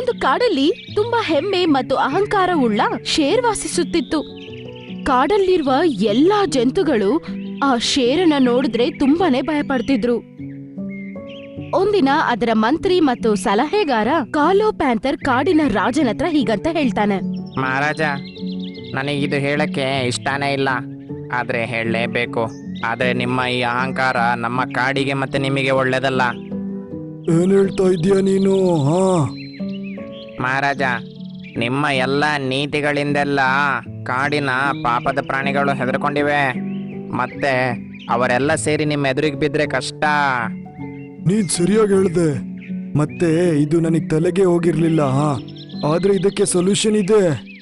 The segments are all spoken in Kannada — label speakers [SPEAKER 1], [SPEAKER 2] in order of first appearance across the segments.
[SPEAKER 1] ಒಂದು ಕಾಡಲ್ಲಿ ತುಂಬಾ ಹೆಮ್ಮೆ ಮತ್ತು ಅಹಂಕಾರವುಳ್ಳ ಶೇರ್ ವಾಸಿಸುತ್ತಿತ್ತು. ಕಾಡಲ್ಲಿರುವ ಎಲ್ಲಾ ಜಂತುಗಳು ಆ ಶೇರನ್ನ ನೋಡಿದ್ರೆ ತುಂಬಾನೇ ಭಯಪಡ್ತಿದ್ರು. ಒಂದಿನ ಅದರ ಮಂತ್ರಿ ಮತ್ತು ಸಲಹೆಗಾರ ಕಾಲೋ ಪ್ಯಾಂಥರ್ ಕಾಡಿನ ರಾಜನ ಹತ್ರ ಹೀಗಂತ ಹೇಳ್ತಾನೆ.
[SPEAKER 2] ಮಹಾರಾಜ, ನನಗಿದು ಹೇಳಕ್ಕೆ ಇಷ್ಟನೇ ಇಲ್ಲ, ಆದ್ರೆ ಹೇಳಲೇಬೇಕು. ಆದ್ರೆ ನಿಮ್ಮ ಈ ಅಹಂಕಾರ ನಮ್ಮ ಕಾಡಿಗೆ ಮತ್ತೆ ನಿಮಗೆ ಒಳ್ಳೇದಲ್ಲ.
[SPEAKER 3] ಏನ್ ಹೇಳ್ತಾ ಇದೀಯ ನೀನು?
[SPEAKER 2] ಮಹಾರಾಜ, ನಿಮ್ಮ ಎಲ್ಲ ನೀತಿಗಳಿಂದೆಲ್ಲ ಕಾಡಿನ ಪಾಪದ ಪ್ರಾಣಿಗಳು ಹೆದರ್ಕೊಂಡಿವೆ. ಮತ್ತೆ ಅವರೆಲ್ಲ ಸೇರಿ ನಿಮ್ಮ ಎದುರಿಗೆ ಬಿದ್ರೆ ಕಷ್ಟ.
[SPEAKER 3] ನೀನ್ ಸರಿಯಾಗಿ ಹೇಳ್ದೆ. ಮತ್ತೆ ಇದು ನನಗ್ ತಲೆಗೆ ಹೋಗಿರ್ಲಿಲ್ಲ. ಆದ್ರೆ ಇದಕ್ಕೆ ಸೊಲ್ಯೂಷನ್ ಇದೆ.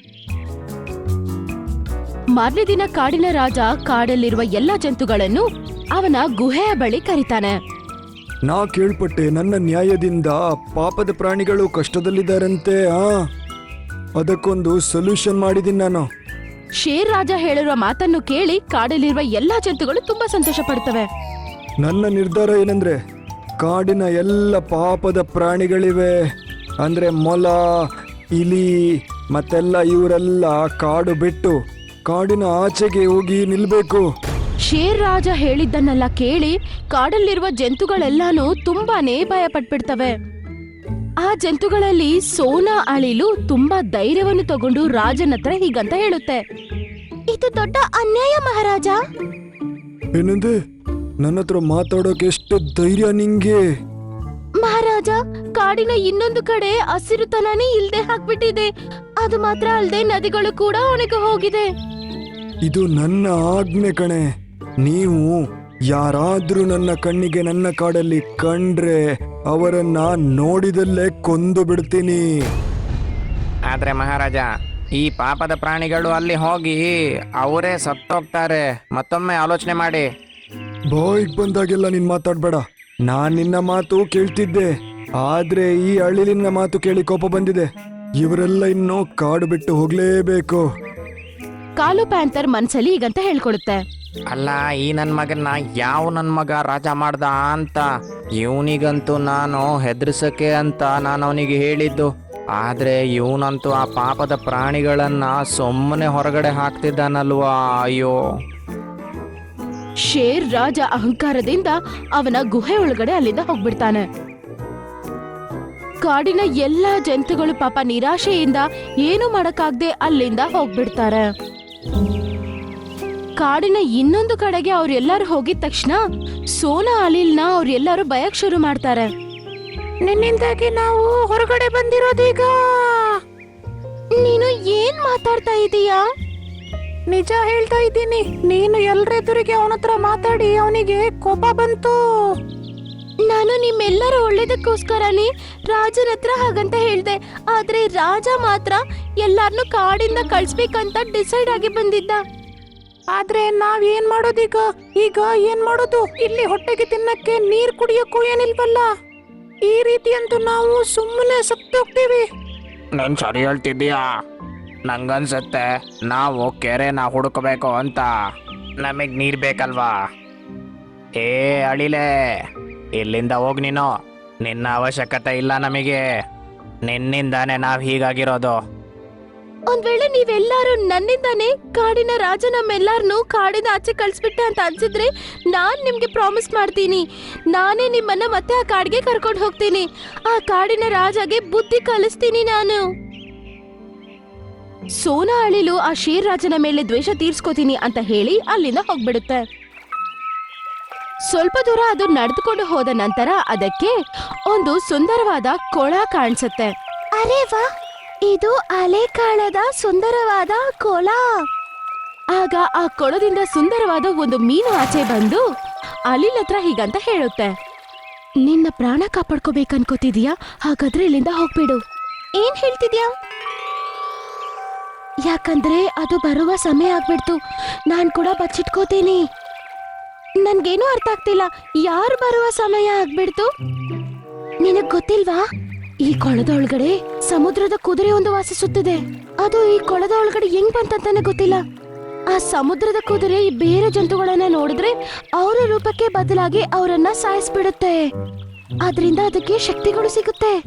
[SPEAKER 1] ಮಾರನೇ ದಿನ ಕಾಡಿನ ರಾಜ ಕಾಡಲ್ಲಿರುವ ಎಲ್ಲಾ ಜಂತುಗಳನ್ನು ಅವನ ಗುಹೆಯ ಬಳಿ ಕರೀತಾನೆ.
[SPEAKER 3] ನಾ ಕೇಳ್ಪಟ್ಟೆ, ನನ್ನ ನ್ಯಾಯದಿಂದ ಪಾಪದ ಪ್ರಾಣಿಗಳು ಕಷ್ಟದಲ್ಲಿದ್ದಾರಂತೆ. ಅದಕ್ಕೊಂದು ಸೊಲ್ಯೂಷನ್ ಮಾಡಿದೀನಿ ನಾನು.
[SPEAKER 1] ಶೇರ್ ರಾಜ ಹೇಳಿರುವ ಮಾತನ್ನು ಕೇಳಿ ಕಾಡಲ್ಲಿರುವ ಎಲ್ಲಾ ಜಂತುಗಳು ತುಂಬಾ ಸಂತೋಷ ಪಡ್ತವೆ.
[SPEAKER 3] ನನ್ನ ನಿರ್ಧಾರ ಏನಂದ್ರೆ, ಕಾಡಿನ ಎಲ್ಲ ಪಾಪದ ಪ್ರಾಣಿಗಳಿವೆ ಅಂದ್ರೆ ಮೊಲ, ಇಲಿ ಮತ್ತೆಲ್ಲ ಇವರೆಲ್ಲ ಕಾಡು ಬಿಟ್ಟು ಕಾಡಿನ ಆಚೆಗೆ ಹೋಗಿ ನಿಲ್ಬೇಕು.
[SPEAKER 1] ಶೇರ್ ರಾಜ ಹೇಳಿದ್ದನ್ನೆಲ್ಲ ಕೇಳಿ ಕಾಡಲ್ಲಿರುವ ಜಂತುಗಳೆಲ್ಲಾನು ತುಂಬಾನೇ ಭಯ ಪಟ್ಬಿಡ್ತವೆ. ಆ ಜಂತುಗಳಲ್ಲಿ ಸೋನಾ ಅಳಿಲು ತುಂಬಾ ಧೈರ್ಯವನ್ನು ತಗೊಂಡು ರಾಜನ ಹತ್ರ ಹೀಗಂತ ಹೇಳುತ್ತೆ. ಇದು ದೊಡ್ಡ ಅನ್ಯಾಯ ಮಹಾರಾಜ.
[SPEAKER 3] ಏನಂದೆ? ನನ್ನ ಹತ್ರ ಮಾತಾಡೋಕೆ ಎಷ್ಟು ಧೈರ್ಯ ನಿಂಗೆ?
[SPEAKER 1] ಮಹಾರಾಜ, ಕಾಡಿನ ಇನ್ನೊಂದು ಕಡೆ ಹಸಿರುತನನೇ ಇಲ್ದೆ ಹಾಕ್ಬಿಟ್ಟಿದೆ. ಅದು ಮಾತ್ರ ಅಲ್ದೆ ನದಿಗಳು ಕೂಡ ಒಣಗಿ ಹೋಗಿದೆ.
[SPEAKER 3] ಇದು ನನ್ನ ಆಜ್ಞೆ ಕಣೆ. ನೀವು ಯಾರಾದ್ರೂ ನನ್ನ ಕಣ್ಣಿಗೆ ನನ್ನ ಕಾಡಲ್ಲಿ ಕಂಡ್ರೆ ಅವರನ್ನ ನೋಡಿದಲ್ಲೇ ಕೊಂದು ಬಿಡ್ತೀನಿ.
[SPEAKER 2] ಆದ್ರೆ ಮಹಾರಾಜ, ಈ ಪಾಪದ ಪ್ರಾಣಿಗಳು ಅಲ್ಲಿ ಹೋಗಿ ಅವರೇ ಸತ್ತೋಗ್ತಾರೆ. ಮತ್ತೊಮ್ಮೆ ಆಲೋಚನೆ ಮಾಡಿ.
[SPEAKER 3] ಬಾಯಿಗೆ ಬಂದಾಗೆಲ್ಲ ನೀನ್ ಮಾತಾಡ್ಬೇಡ. ನಾನ್ ನಿನ್ನ ಮಾತು ಕೇಳ್ತಿದ್ದೆ, ಆದ್ರೆ ಈ ಅಳಿಲಿನ ಮಾತು ಕೇಳಿ ಕೋಪ ಬಂದಿದೆ. ಇವರೆಲ್ಲ ಇನ್ನು ಕಾಡು ಬಿಟ್ಟು ಹೋಗ್ಲೇಬೇಕು.
[SPEAKER 1] ಕಾಲು ಪ್ಯಾಂಥರ್ ಮನ್ಸಲ್ಲಿ ಹೀಗಂತ ಹೇಳ್ಕೊಡುತ್ತೆ.
[SPEAKER 2] ಅಲ್ಲ, ಈ ನನ್ ಮಗನ್ನ ಯಾವ ನನ್ ಮಗ ರಾಜ ಮಾಡ್ದ ಅಂತ. ಇವನಿಗಂತೂ ನಾನು ಹೆದರ್ಸಕ್ಕೆ ಅಂತ ನಾನು ಅವನಿಗೆ ಹೇಳಿದ್ದು. ಆದ್ರೆ ಇವನಂತೂ ಆ ಪಾಪದ ಪ್ರಾಣಿಗಳನ್ನ ಸುಮ್ಮನೆ ಹೊರಗಡೆ ಹಾಕ್ತಿದ್ದಾನಲ್ವಾ. ಅಯ್ಯೋ.
[SPEAKER 1] ಶೇರ್ ರಾಜ ಅಹಂಕಾರದಿಂದ ಅವನ ಗುಹೆ ಒಳಗಡೆ ಅಲ್ಲಿಂದ ಹೋಗ್ಬಿಡ್ತಾನೆ. ಕಾಡಿನ ಎಲ್ಲಾ ಜಂತುಗಳು ಪಾಪ ನಿರಾಶೆಯಿಂದ ಏನು ಮಾಡಕ್ಕಾಗ್ದೆ ಅಲ್ಲಿಂದ ಹೋಗ್ಬಿಡ್ತಾರೆ. ಕಾಡಿನ ಇನ್ನೊಂದು ಕಡೆಗೆ ಅವ್ರೆಲ್ಲರೂ ಹೋಗಿದ ತಕ್ಷಣ ಸೋನಾ ಅಳಿಲ್ನ ಅವ್ರೆಲ್ಲರೂ ಭಯಕ್ ಶುರು ಮಾಡ್ತಾರೆ. ನಿನ್ನಿಂದಾಗಿ ನಾವು ಹೊರಗಡೆ ಬಂದಿರೋದೀಗ. ನೀನು ಏನ್ ಮಾತಾಡ್ತಾ ಇದೀಯಾ? ನಿಜ ಹೇಳ್ತಾ ಇದ್ದೀನಿ. ನೀನು ಎಲ್ರೆದುರಿಗೆ ಅವನ ಹತ್ರ ಮಾತಾಡಿ ಅವನಿಗೆ ಕೋಪ ಬಂತು. ನಾನು ನಿಮ್ಮೆಲ್ಲರ ಒಳ್ಳೇದಕ್ಕೋಸ್ಕರನೇ ರಾಜನ ಹತ್ರ ಹಾಗಂತ ಹೇಳ್ದೆ. ಆದ್ರೆ ರಾಜ ಮಾತ್ರ ಎಲ್ಲಾರ್ನು ಕಾಡಿಂದ ಕಳ್ಸ್ಬೇಕಂತ ಡಿಸೈಡ್ ಆಗಿ ಬಂದಿದ್ದ. ಆದ್ರೆ ನಾವ್ ಏನ್ ಮಾಡೋದೀಗ? ಈಗ ಏನ್ ಮಾಡೋದು? ಇಲ್ಲಿ ಹೊಟ್ಟೆಗೆ ತಿನ್ನಕ್ಕೆ ನೀರ್ ಕುಡಿಯೋಕ್ಕೂ ಏನಿಲ್ವಲ್ಲ. ಈ ರೀತಿ ಅಂತೂ ನಾವು ಸುಮ್ಮನೆ ಸತ್ತೋಗ್ತೀವಿ.
[SPEAKER 2] ನೀನ್ ಸರಿ ಹೇಳ್ತಿದ್ದೀಯಾ. ನಂಗನ್ಸತ್ತೆ ನಾವು ಕೆರೆನ ಹುಡುಕಬೇಕು ಅಂತ. ನಮಗ್ ನೀರ್ ಬೇಕಲ್ವಾ? ಏ ಅಳಿಲೆ, ಇಲ್ಲಿಂದ ಹೋಗ್ ನೀನು. ನಿನ್ನ ಅವಶ್ಯಕತೆ ಇಲ್ಲ ನಮಗೆ. ನಿನ್ನಿಂದಾನೆ ನಾವ್ ಹೀಗಾಗಿರೋದು.
[SPEAKER 1] ಒಂದ್ ವೇಳೆ ನೀವೆಲ್ಲಾರು ನನ್ನಿಂದಾನೇ ಕಾಡಿನ ರಾಜ ನಮ್ಮೆಲ್ಲಾರನು ಕಾಡಿನ ಆಚೆ ಕಳ್ಸ್ಬಿಟ್ಟೆ ಅಂತ ಅನ್ಸಿದ್ರೆ ನಾನ್ ನಿಮ್ಗೆ ಪ್ರಾಮಿಸ್ ಮಾಡ್ತೀನಿ, ನಾನೇ ನಿಮ್ಮನ್ನ ಮತ್ತೆ ಆ ಕಾಡಿಗೆ ಕರ್ಕೊಂಡು ಹೋಗ್ತೀನಿ. ಆ ಕಾಡಿನ ರಾಜಗೆ ಬುದ್ಧಿ ಕಲಿಸ್ತೀನಿ ನಾನು. ಸೋನಾ ಅಳಿಲು ಆ ಶೇರ್ ರಾಜನ ಮೇಲೆ ದ್ವೇಷ ತೀರ್ಸ್ಕೋತೀನಿ ಅಂತ ಹೇಳಿ ಅಲ್ಲಿಂದ ಹೋಗ್ಬಿಡುತ್ತೆ. ಸ್ವಲ್ಪ ದೂರ ಅದು ನಡೆದುಕೊಂಡು ಹೋದ ನಂತರ ಅದಕ್ಕೆ ಒಂದು ಸುಂದರವಾದ ಕೊಳ ಕಾಣಿಸುತ್ತೆ. ಅರೆ ವಾ, ಇದು ಅಲೆಕಾಳದ ಸುಂದರವಾದ ಕೊಳ. ಆಗ ಆ ಕೊಳದಿಂದ ಸುಂದರವಾದ ಒಂದು ಮೀನು ಆಚೆ ಬಂದು ಅಳಿಲ್ ಹತ್ರ ಹೀಗಂತ ಹೇಳುತ್ತೆ. ನಿನ್ನ ಪ್ರಾಣ ಕಾಪಾಡ್ಕೋಬೇಕನ್ಕೋತಿದ್ಯಾ? ಹಾಗಾದ್ರೆ ಇಲ್ಲಿಂದ ಹೋಗ್ಬಿಡು. ಏನ್ ಹೇಳ್ತಿದ್ಯಾ? ಯಾಕಂದ್ರೆ ಅದು ಬರುವ ಸಮಯ ಆಗ್ಬಿಡ್ತು. ನಾನ್ ಕೂಡ ಬಚ್ಚಿಟ್ಕೋತೀನಿ. ನನ್ಗೇನು ಅರ್ಥ ಆಗ್ತಿಲ್ಲ. ಯಾರು ಬರುವ ಸಮಯ ಆಗ್ಬಿಡ್ತು? ನಿನಗ್ ಗೊತ್ತಿಲ್ವಾ? ಈ ಕೊಳದ ಒಳಗಡೆ ಸಮುದ್ರದ ಕುದುರೆ ಒಂದು ವಾಸಿಸುತ್ತಿದೆ. ಅದು ಈ ಕೊಳದ ಒಳಗಡೆ ಹೆಂಗ್ ಬಂತಂತಾನೆ ಗೊತ್ತಿಲ್ಲ. ಆ ಸಮುದ್ರದ ಕುದುರೆ ಈ ಬೇರೆ ಜಂತುಗಳನ್ನ ನೋಡಿದ್ರೆ ಅವರ ರೂಪಕ್ಕೆ ಬದಲಾಗಿ ಅವರನ್ನ ಸಾಯಿಸ್ಬಿಡುತ್ತೆ. ಆದ್ರಿಂದ ಅದಕ್ಕೆ ಶಕ್ತಿಗಳು ಸಿಗುತ್ತೆ.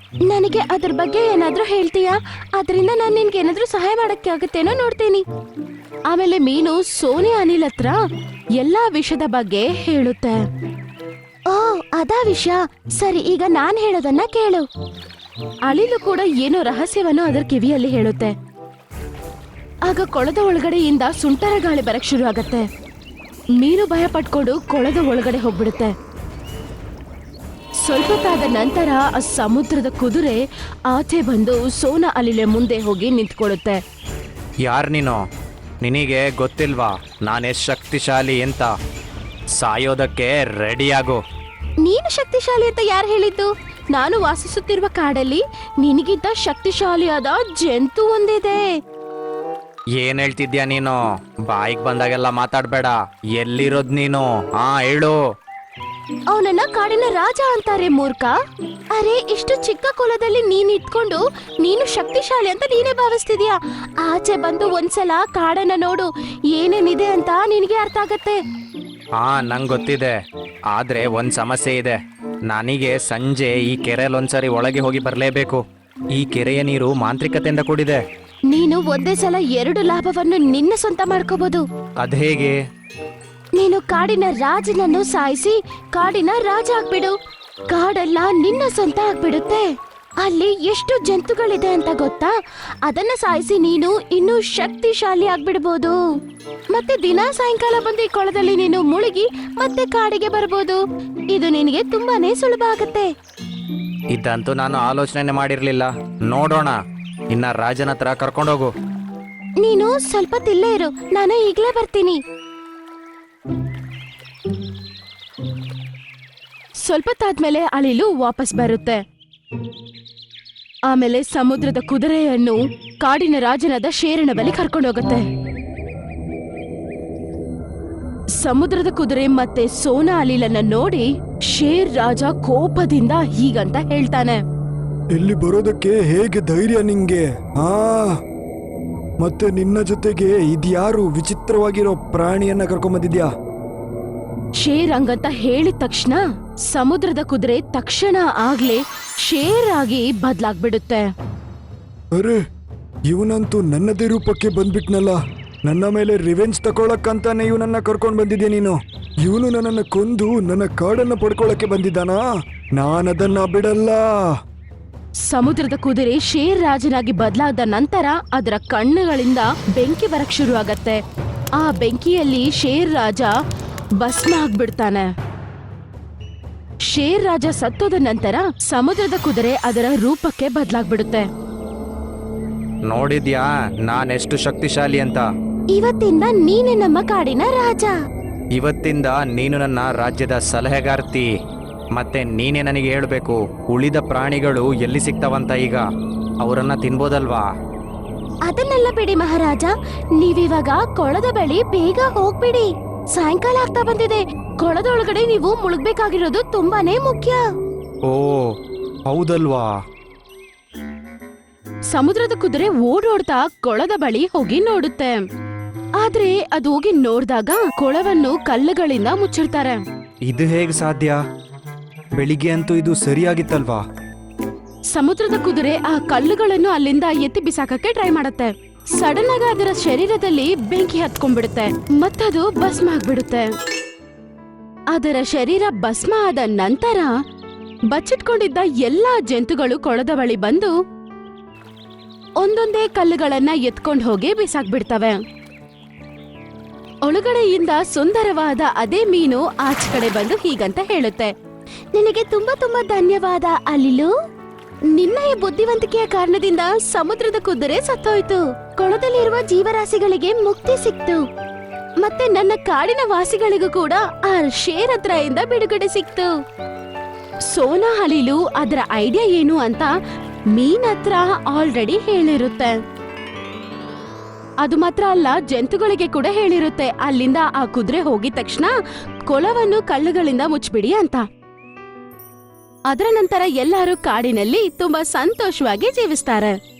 [SPEAKER 1] ನನಗೆ ಅದ್ರ ಬಗ್ಗೆ ಏನಾದ್ರೂ ಹೇಳ್ತೀಯಾ? ಅದರಿಂದ ನಾನು ನಿನ್ಗೆ ಏನಾದ್ರೂ ಸಹಾಯ ಮಾಡಕ್ಕೆ ಆಗುತ್ತೇನೋ ನೋಡ್ತೀನಿ. ಆಮೇಲೆ ಮೀನು ಸೋನಿ ಅನಿಲ್ ಹತ್ರ ಎಲ್ಲಾ ವಿಷಯದ ಬಗ್ಗೆ ಹೇಳುತ್ತೆ. ಓ ಅದಾ ವಿಷಯ, ಸರಿ ಈಗ ನಾನ್ ಹೇಳೋದನ್ನ ಕೇಳು. ಅಳಿಲು ಕೂಡ ಏನೋ ರಹಸ್ಯವನ್ನು ಅದರ ಕಿವಿಯಲ್ಲಿ ಹೇಳುತ್ತೆ. ಆಗ ಕೊಳದ ಒಳಗಡೆಯಿಂದ ಸುಂಟರ ಗಾಳಿ ಬರಕ್ ಶುರು ಆಗತ್ತೆ. ಮೀನು ಭಯ ಪಟ್ಕೊಂಡು ಕೊಳದ ಒಳಗಡೆ ಹೋಗ್ಬಿಡುತ್ತೆ. ಸ್ವಲ್ಪ ತಾದ ನಂತರ ಆ ಸಮುದ್ರದ ಕುದುರೆ ಆಚೆ ಬಂದು ಸೋನಾ ಅಲಿಲೆ ಮುಂದೆ ಹೋಗಿ ನಿಂತ್ಕೊಳ್ಳುತ್ತೆ.
[SPEAKER 2] ಯಾರು ನೀನು? ನಿನಗೆ ಗೊತ್ತಿಲ್ವಾ ನಾನೆಷ್ಟು ಶಕ್ತಿಶಾಲಿ ಅಂತ? ಸಾಯೋದಕ್ಕೆ ರೆಡಿಯಾಗು.
[SPEAKER 1] ನೀನು ಶಕ್ತಿಶಾಲಿ ಅಂತ ಯಾರು ಹೇಳಿದ್ದು? ನಾನು ವಾಸಿಸುತ್ತಿರುವ ಕಾಡಲ್ಲಿ ನಿನಗಿಂತ ಶಕ್ತಿಶಾಲಿಯಾದ ಜಂತು ಒಂದಿದೆ.
[SPEAKER 2] ಏನ್ ಹೇಳ್ತಿದ್ಯಾ ನೀನು? ಬಾಯಿಗೆ ಬಂದಾಗೆಲ್ಲ ಮಾತಾಡ್ಬೇಡ. ಎಲ್ಲಿರೋದ್ ನೀನು? ಹೇಳು.
[SPEAKER 1] ಅವನನ್ನ ಕಾಡಿನ ರಾಜ ಅಂತಾರೆ ಮೂರ್ಖ. ಅರೆ, ಇಷ್ಟು ಚಿಕ್ಕ ಕುಲದಲ್ಲಿ ನೀನ್ ಇಟ್ಕೊಂಡು ನೀನು ಶಕ್ತಿಶಾಲಿ ಅಂತ ನೀನೇ ಭಾವಿಸ್ತಿದ್ಯಾ? ಆಚೆ ಬಂದು ಒಂದ್ಸಲ ಕಾಡನ್ನ ನೋಡು, ಏನೇನಿದೆ ಅಂತ ನಿನಗೆ ಅರ್ಥ ಆಗತ್ತೆ.
[SPEAKER 2] ನಂಗೆ ಗೊತ್ತಿದೆ. ಆದ್ರೆ ಒಂದ್ ಸಮಸ್ಯೆ ಇದೆ. ನನಗೆ ಸಂಜೆ ಈ ಕೆರೆಯಲ್ಲಿ ಒಂದ್ಸರಿ ಒಳಗೆ ಹೋಗಿ ಬರ್ಲೇಬೇಕು. ಈ ಕೆರೆಯ ನೀರು ಮಾಂತ್ರಿಕತೆಯಿಂದ ಕೂಡಿದೆ.
[SPEAKER 1] ನೀನು ಒಂದೇ ಸಲ 2 ಲಾಭವನ್ನು ನಿನ್ನ ಸ್ವಂತ ಮಾಡ್ಕೋಬಹುದು.
[SPEAKER 2] ಅದ್ ಹೇಗೆ?
[SPEAKER 1] ನೀನು ಕಾಡಿನ ರಾಜನನ್ನು ಸಾಯಿಸಿ ಕಾಡಿನ ರಾಜ ಆಗ್ಬಿಡು. ಕಾಡೆಲ್ಲ ನಿನ್ನ ಸ್ವಂತ ಆಗ್ಬಿಡುತ್ತೆ. ಅಲ್ಲಿ ಎಷ್ಟು ಜಂತುಗಳಿದೆ ಅಂತ ಗೊತ್ತಾ? ಅದನ್ನ ಸಾಯಿಸಿ ನೀನು ಇನ್ನೂ ಶಕ್ತಿಶಾಲಿ ಆಗ್ಬಿಡ್ಬೋದು. ಮತ್ತೆ ದಿನ ಸಾಯಂಕಾಲ ಬಂದು ಈ ಕೊಳದಲ್ಲಿ ನೀನು ಮುಳುಗಿ ಮತ್ತೆ ಕಾಡಿಗೆ ಬರ್ಬೋದು. ಇದು ನಿನಗೆ ತುಂಬಾನೇ ಸುಲಭ ಆಗತ್ತೆ.
[SPEAKER 2] ಇದಂತೂ ನಾನು ಆಲೋಚನೆ ಮಾಡಿರ್ಲಿಲ್ಲ. ನೋಡೋಣ, ಇನ್ನ ರಾಜನ ಹತ್ರ ಕರ್ಕೊಂಡೋಗು.
[SPEAKER 1] ನೀನು ಸ್ವಲ್ಪ ತಿಲ್ಲೇ ಇರು, ನಾನು ಈಗ್ಲೇ ಬರ್ತೀನಿ. ಸ್ವಲ್ಪ ತಾದ್ಮೇಲೆ ಅಳಿಲು ವಾಪಸ್ ಬರುತ್ತೆ. ಆಮೇಲೆ ಸಮುದ್ರದ ಕುದುರೆಯನ್ನು ಕಾಡಿನ ರಾಜನಾದ ಶೇರನ ಬಳಿ ಕರ್ಕೊಂಡೋಗುತ್ತೆ. ಸಮುದ್ರದ ಕುದುರೆ ಮತ್ತೆ ಸೋನಾ ಅಲಿಲನ್ನ ನೋಡಿ ಶೇರ್ ರಾಜ ಕೋಪದಿಂದ ಹೀಗಂತ ಹೇಳ್ತಾನೆ.
[SPEAKER 3] ಇಲ್ಲಿ ಬರೋದಕ್ಕೆ ಹೇಗೆ ಧೈರ್ಯ ನಿಂಗೆ? ಮತ್ತೆ ನಿನ್ನ ಜೊತೆಗೆ ಇದ್ಯಾರು ವಿಚಿತ್ರವಾಗಿರೋ ಪ್ರಾಣಿಯನ್ನ ಕರ್ಕೊಂಬಂದಿದ್ಯಾ?
[SPEAKER 1] ಶೇರ್ ಹಂಗಂತ ಹೇಳಿದ ತಕ್ಷಣ ಸಮುದ್ರದ ಕುದುರೆ ತಕ್ಷಣ ಆಗ್ಲೇ ಶೇರ್ ಆಗಿ ಬದ್ಲಾಗ್ಬಿಡುತ್ತೆ.
[SPEAKER 3] ಅರೆ, ಇವನಂತೂ ನನ್ನದೇ ರೂಪಕ್ಕೆ ಬಂದ್ಬಿಟ್ನಲ್ಲ. ನನ್ನ ಮೇಲೆ ರಿವೆಂಜ್ ತಗೊಳಕ್ಕಂತಾನೆ ಇವನನ್ನ ಕರ್ಕೊಂಡ್ ಬಂದಿದ್ಯಾ ನೀನು? ಇವನು ನನ್ನನ್ನ ಕೊಂದು ನನ್ನ ಕಾಡನ್ನ ಪಡ್ಕೊಳಕ್ಕೆ ಬಂದಿದ್ದಾನಾ? ನಾನದನ್ನ ಬಿಡಲ್ಲ.
[SPEAKER 1] ಸಮುದ್ರದ ಕುದುರೆ ಶೇರ್ ರಾಜನಾಗಿ ಬದಲಾದ ನಂತರ ಅದರ ಕಣ್ಣುಗಳಿಂದ ಬೆಂಕಿ ಬರಕ್ ಶುರು ಆಗತ್ತೆ. ಆ ಬೆಂಕಿಯಲ್ಲಿ ಶೇರ್ ರಾಜ ಭಸ್ಮ ಆಗ್ಬಿಡ್ತಾನೆ. ಶೇರ್ ರಾಜ ಸತ್ತೋದ ನಂತರ ಸಮುದ್ರದ ಕುದುರೆ ಅದರ ರೂಪಕ್ಕೆ ಬದಲಾಗ್ಬಿಡುತ್ತೆ.
[SPEAKER 2] ನೋಡಿದ್ಯಾ ನಾನೆಷ್ಟು ಶಕ್ತಿಶಾಲಿ ಅಂತ?
[SPEAKER 1] ಇವತ್ತಿಂದ ನೀನೆ ನಮ್ಮ ಕಾಡಿನ ರಾಜ.
[SPEAKER 2] ಇವತ್ತಿಂದ ನೀನು ನನ್ನ ರಾಜ್ಯದ ಸಲಹೆಗಾರ್ತಿ. ಮತ್ತೆ ನೀನೇ ನನಗೆ ಹೇಳ್ಬೇಕು, ಉಳಿದ ಪ್ರಾಣಿಗಳು ಎಲ್ಲಿ ಸಿಗ್ತಾವಂತ? ಈಗ ಅವರನ್ನ ತಿನ್ಬೋದಲ್ವಾ?
[SPEAKER 1] ಅದನ್ನೆಲ್ಲ ಬಿಡಿ ಮಹಾರಾಜ, ನೀವಿವಾಗ ಕೊಳದ ಬಳಿ ಬೇಗ ಹೋಗ್ಬಿಡಿ. ಸಾಯಂಕಾಲ ಆಗ್ತಾ ಬಂದಿದೆ. ಕೊಳದೊಳಗಡೆ ನೀವು ಮುಳುಗ್ಬೇಕಾಗಿರೋದು ತುಂಬಾನೇ ಮುಖ್ಯ.
[SPEAKER 2] ಓ ಹೌದಲ್ವಾ?
[SPEAKER 1] ಸಮುದ್ರದ ಕುದುರೆ ಓಡೋಡ್ತಾ ಕೊಳದ ಬಳಿ ಹೋಗಿ ನೋಡುತ್ತೆ. ಆದ್ರೆ ಅದು ಹೋಗಿ ನೋಡ್ದಾಗ ಕೊಳವನ್ನು ಕಲ್ಲುಗಳಿಂದ ಮುಚ್ಚಿರ್ತಾರೆ.
[SPEAKER 3] ಇದು ಹೇಗೆ ಸಾಧ್ಯ? ಬೆಳಿಗ್ಗೆ ಅಂತೂ ಇದು ಸರಿಯಾಗಿತ್ತಲ್ವಾ?
[SPEAKER 1] ಸಮುದ್ರದ ಕುದುರೆ ಆ ಕಲ್ಲುಗಳನ್ನು ಅಲ್ಲಿಂದ ಎತ್ತಿ ಬಿಸಾಕಕ್ಕೆ ಟ್ರೈ ಮಾಡತ್ತೆ. ಸಡನ್ ಆಗಿ ಅದರ ಶರೀರದಲ್ಲಿ ಬೆಂಕಿ ಹತ್ಕೊಂಡ್ಬಿಡುತ್ತೆ ಮತ್ತದು ಭಸ್ಮ ಆಗ್ಬಿಡುತ್ತೆ. ಅದರ ಶರೀರ ಭಸ್ಮ ಆದ ನಂತರ ಬಚ್ಚಿಟ್ಕೊಂಡಿದ್ದ ಎಲ್ಲಾ ಜಂತುಗಳು ಕೊಳದ ಬಳಿ ಬಂದು ಒಂದೊಂದೇ ಕಲ್ಲುಗಳನ್ನ ಎತ್ಕೊಂಡು ಹೋಗಿ ಬಿಸಾಕ್ಬಿಡ್ತವೆ. ಒಳಗಡೆಯಿಂದ ಸುಂದರವಾದ ಅದೇ ಮೀನು ಆಚೆ ಕಡೆ ಬಂದು ಹೀಗಂತ ಹೇಳುತ್ತೆ, ನಿನಗೆ ತುಂಬಾ ತುಂಬಾ ಧನ್ಯವಾದ ಅಲಿಲು. ನಿನ್ನ ಈ ಬುದ್ಧಿವಂತಿಕೆಯ ಕಾರಣದಿಂದ ಸಮುದ್ರದ ಕುದುರೆ ಸತ್ತೋಯ್ತು. ಕೊಳದಲ್ಲಿರುವ ಜೀವರಾಶಿಗಳಿಗೆ ಮುಕ್ತಿ ಸಿಕ್ತು. ಮತ್ತೆ ನನ್ನ ಕಾಡಿನ ವಾಸಿಗಳಿಗೂ ಕೂಡ ಆ ಶೇರ್ ಹತ್ರದಿಂದ ಬಿಡುಗಡೆ ಸಿಕ್ತು. ಸೋನಾ ಅಲಿಲು ಅದರ ಐಡಿಯಾ ಏನು ಅಂತ ಮೀನ್ ಹತ್ರ ಆಲ್ರೆಡಿ ಹೇಳಿರುತ್ತೆ. ಅದು ಮಾತ್ರ ಅಲ್ಲ, ಜಂತುಗಳಿಗೆ ಕೂಡ ಹೇಳಿರುತ್ತೆ ಅಲ್ಲಿಂದ ಆ ಕುದುರೆ ಹೋಗಿದ ತಕ್ಷಣ ಕೊಳವನ್ನು ಕಲ್ಲುಗಳಿಂದ ಮುಚ್ಚಿಬಿಡಿ ಅಂತ. ಅದರ ನಂತರ ಎಲ್ಲರೂ ಕಾಡಿನಲ್ಲಿ ತುಂಬಾ ಸಂತೋಷವಾಗಿ ಜೀವಿಸ್ತಾರೆ.